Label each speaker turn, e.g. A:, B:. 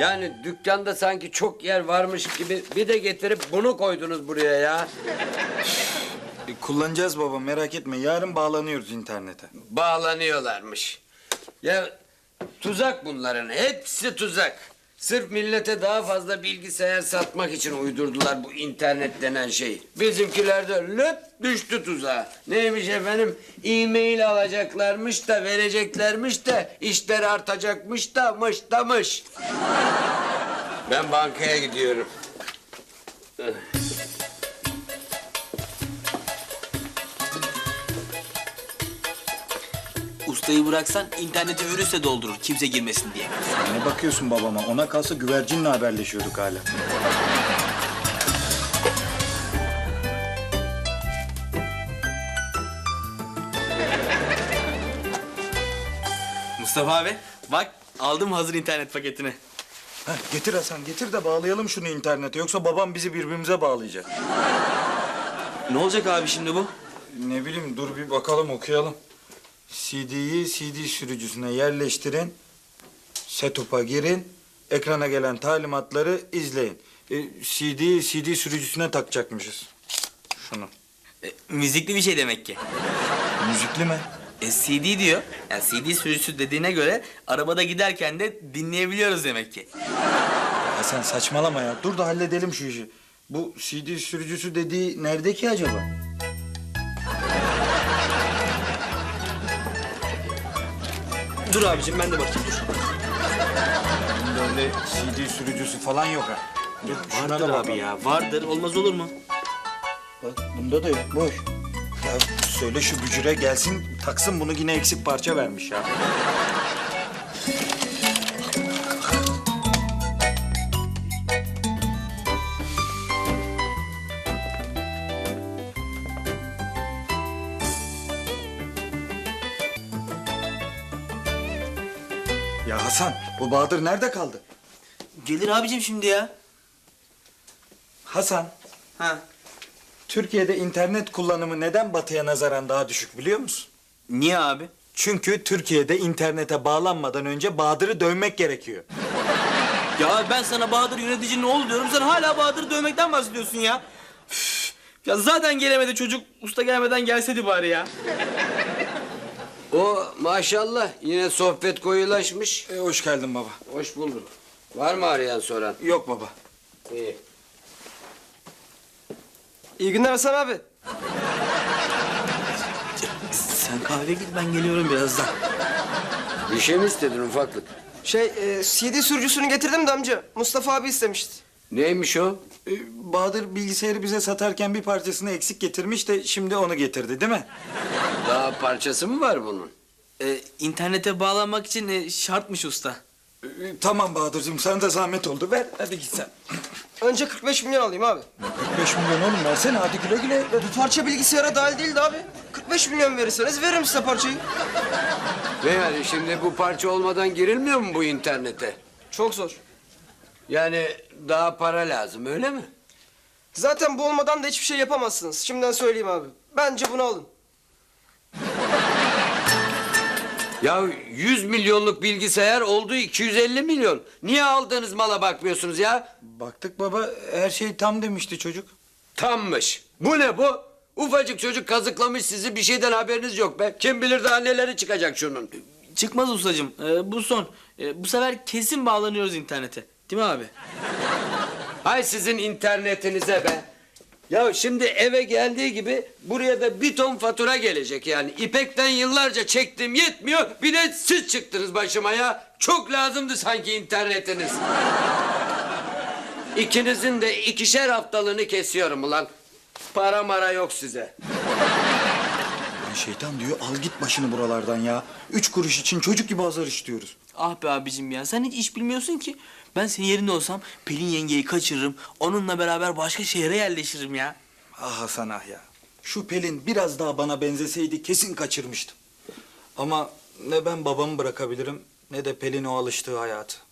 A: Yani dükkanda sanki çok yer varmış gibi bir de getirip bunu koydunuz buraya ya.
B: Kullanacağız baba, merak etme. Yarın bağlanıyoruz internete.
A: Bağlanıyorlarmış. Ya tuzak bunların, hepsi tuzak. Sırf millete daha fazla bilgisayar satmak için uydurdular bu internet denen şeyi. Bizimkiler de löp düştü tuzağa. Neymiş efendim? E-mail alacaklarmış da vereceklermiş de işler artacakmış da mış. Ben bankaya gidiyorum.
C: Ustayı bıraksan interneti virüsle doldurur kimse girmesin diye.
B: Ne bakıyorsun babama? Ona kalsa güvercinle haberleşiyorduk hala.
C: Mustafa abi bak aldım hazır internet paketini.
B: Heh, getir Hasan, getir de bağlayalım şunu internete. Yoksa babam bizi birbirimize bağlayacak.
C: Ne olacak abi şimdi bu?
B: Ne bileyim, dur bir bakalım, okuyalım. CD'yi CD sürücüsüne yerleştirin. Setup'a girin. Ekrana gelen talimatları izleyin. CD'yi CD sürücüsüne takacakmışız. Şunu.
C: Müzikli bir şey demek ki.
B: Müzikli mi?
C: CD diyor. Yani CD sürücüsü dediğine göre arabada giderken de dinleyebiliyoruz demek ki.
B: Hasan saçmalama ya. Dur da halledelim şu işi. Bu CD sürücüsü dediği nerede ki acaba?
C: Dur abicim ben de bakayım dur.
B: Bunda öyle CD sürücüsü falan yok ha. Dur, şuna da
C: Vardır abi
B: bakalım.
C: ya vardır olmaz olur mu?
B: Bak bunda da yok, boş. Ya söyle şu bücüre gelsin, taksın, bunu yine eksik parça vermiş ya. Ya Hasan, bu Bahadır nerede kaldı?
C: Gelir abicim şimdi ya.
B: Hasan,
C: Ha.
B: Türkiye'de internet kullanımı neden Batı'ya nazaran daha düşük biliyor musun?
C: Niye abi?
B: Çünkü Türkiye'de internete bağlanmadan önce Bahadır'ı dövmek gerekiyor.
C: Ya ben sana Bahadır yönetici ne oldu diyorum. Sen hala Bahadır'ı dövmekten bahsediyorsun ya. Üf. Ya zaten gelemedi çocuk. Usta gelmeden gelseydi bari ya.
A: O maşallah yine sohbet koyulaşmış.
B: Hoş geldin baba.
A: Hoş bulduk. Var mı arayan soran?
B: Yok baba.
A: İyi.
D: İyi günler Hasan abi.
C: Sen kahve git ben geliyorum birazdan.
A: Bir şey mi istedin ufaklık?
D: CD sürücüsünü getirdim de amca. Mustafa abi istemişti.
A: Neymiş o?
B: Bahadır bilgisayarı bize satarken bir parçasını eksik getirmiş de şimdi onu getirdi değil mi?
A: Daha parçası mı var bunun?
C: İnternete bağlanmak için şartmış usta.
B: Tamam Bahadır'cığım, sana da zahmet oldu. Ver, hadi git sen.
D: Önce 45 milyon alayım abi.
B: 45 milyon oğlum, versene, hadi güle güle.
D: Bu parça bilgisayara dahil değildi abi. 45 milyon verirseniz veririm size parçayı.
A: Ve yani şimdi bu parça olmadan girilmiyor mu bu internete?
D: Çok zor.
A: Yani daha para lazım öyle mi?
D: Zaten bu olmadan da hiçbir şey yapamazsınız. Şimdiden söyleyeyim abi. Bence bunu alın.
A: Ya 100 milyonluk bilgisayar oldu 250 milyon. Niye aldığınız mala bakmıyorsunuz ya?
B: Baktık baba, her şey tam demişti çocuk.
A: Tammış. Bu ne bu? Ufacık çocuk kazıklamış sizi, bir şeyden haberiniz yok be. Kim bilir daha neleri çıkacak şunun.
C: Çıkmaz ustacığım. Bu son. Bu sefer kesin bağlanıyoruz internete. Değil mi abi?
A: Hay sizin internetinize be. Ya şimdi eve geldiği gibi buraya da bir ton fatura gelecek yani. İpek'ten yıllarca çektim yetmiyor. Bir de siz çıktınız başıma ya. Çok lazımdı sanki internetiniz. İkinizin de 2'şer haftalığını kesiyorum ulan. Para mara yok size.
B: Şeytan diyor, al git başını buralardan ya. 3 kuruş için çocuk gibi azar işliyoruz.
C: Ah be abicim ya sen hiç iş bilmiyorsun ki. Ben senin yerinde olsam Pelin yengeyi kaçırırım. Onunla beraber başka şehre yerleşirim ya.
B: Ah Hasan ah ya. Şu Pelin biraz daha bana benzeseydi kesin kaçırmıştım. Ama ne ben babamı bırakabilirim ne de Pelin o alıştığı hayatı.